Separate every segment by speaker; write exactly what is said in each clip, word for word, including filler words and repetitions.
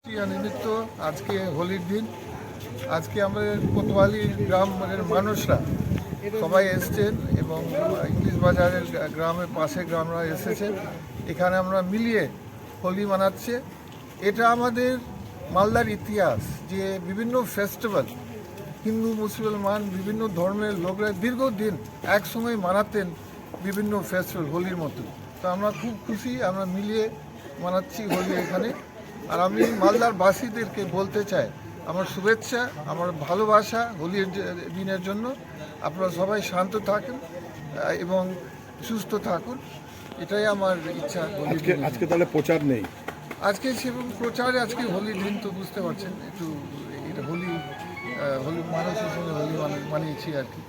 Speaker 1: নিমিত্ত আজকে হোলির দিন। আজকে আমাদের কোতোয়ালি গ্রামের মানুষরা সবাই এসছেন এবং ইংলিশ বাজারের গ্রামের পাশে গ্রামরা এসেছেন। এখানে আমরা মিলিয়ে হোলি মানাচ্ছে। এটা আমাদের মালদার ইতিহাস যে বিভিন্ন ফেস্টিভ্যাল হিন্দু মুসলমান বিভিন্ন ধর্মের লোকরা দীর্ঘদিন একসঙ্গে মানাতেন বিভিন্ন ফেস্টিভ্যাল হোলির মতো। তো আমরা খুব খুশি, আমরা মিলিয়ে মানাচ্ছি হোলি এখানে। আর আমি মালদার বাসীদেরকে বলতে চাই আমার শুভেচ্ছা, আমার ভালোবাসা হোলির দিনের জন্য। আপনারা সবাই শান্ত থাকুন এবং সুস্থ থাকুন, এটাই আমার ইচ্ছা।
Speaker 2: আজকে আজকে তাহলে প্রচার নেই?
Speaker 1: আজকে সেরকম প্রচারে আজকে হোলির দিন তো বুঝতে পারছেন, একটু এটা হোলি হোলি মানুষের সঙ্গে হোলি মানিয়েছি আর কি।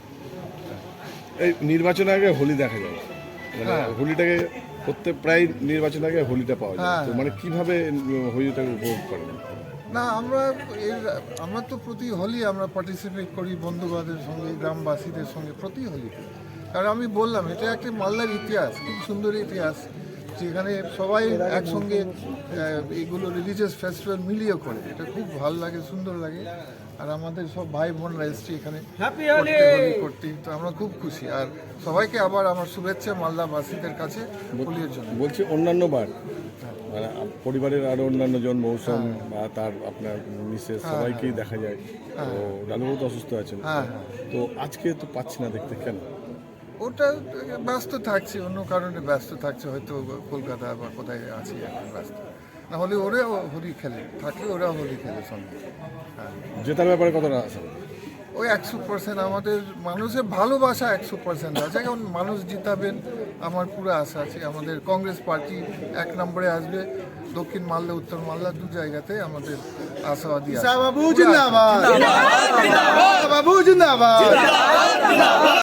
Speaker 2: এই নির্বাচনের আগে হোলি দেখা যায়, মানে
Speaker 1: হ্যাঁ।
Speaker 2: হোলিটাকে প্রত্যেক প্রায় নির্বাচনের আগে হোলিটা পাওয়া যায়।
Speaker 1: হ্যাঁ।
Speaker 2: তো মানে কিভাবে হোলিটাকে উপভোগ করেন?
Speaker 1: না, আমরা এর আমরা তো প্রতি হোলি আমরা পার্টিসিপেট করি বন্ধুবান্ধবের সঙ্গে, গ্রামবাসীদের সঙ্গে প্রতি হোলি। কারণ আমি বললাম এটা একটা মালদার ইতিহাস, খুব সুন্দর ইতিহাস, যেখানে সবাই একসঙ্গে এগুলো রিলিজিয়াস ফেস্টিভ্যাল মিলিয়ে করে। এটা খুব ভালো লাগে, সুন্দর লাগে। আর আমাদের সব ভাই বোনরা এসছে এখানে হোলি করতে, তো আমরা খুব খুশি। আর সবাইকে আবার আমার শুভেচ্ছা মালদাবাসীদের কাছে হোলির জন্য।
Speaker 2: বলছি অন্যান্য বার মানে পরিবারের আরো অন্যান্য জন মৌসুম বা তার আপনার মিসেস সবাইকেই দেখা যায়। তো লালুবাবু তো অসুস্থ আছেন,
Speaker 1: হ্যাঁ
Speaker 2: তো আজকে তো পাচ্ছি না দেখতে, কেন?
Speaker 1: ওটা ব্যস্ত থাকছে, অন্য কারণে ব্যস্ত থাকছে, হয়তো কলকাতা বা কোথায় আছে এখন ব্যস্ত। না হলে ওরা হোলি খেলে, থাকলে ওরা হোলি খেলে সঙ্গে। হ্যাঁ,
Speaker 2: জেতার ব্যাপারে কতটা আশা?
Speaker 1: ওই একশো পার্সেন্ট আমাদের মানুষের ভালোবাসা একশো পার্সেন্ট আছে। এখন মানুষ জিতাবেন আমার পুরো আশা আছে। আমাদের কংগ্রেস পার্টি এক নম্বরে আসবে, দক্ষিণ মালদা উত্তর মালদা দু জায়গাতে আমাদের আশাবাদী আছে।
Speaker 3: বাবু জিন্দাবাদ, বাবু জিন্দাবাদ।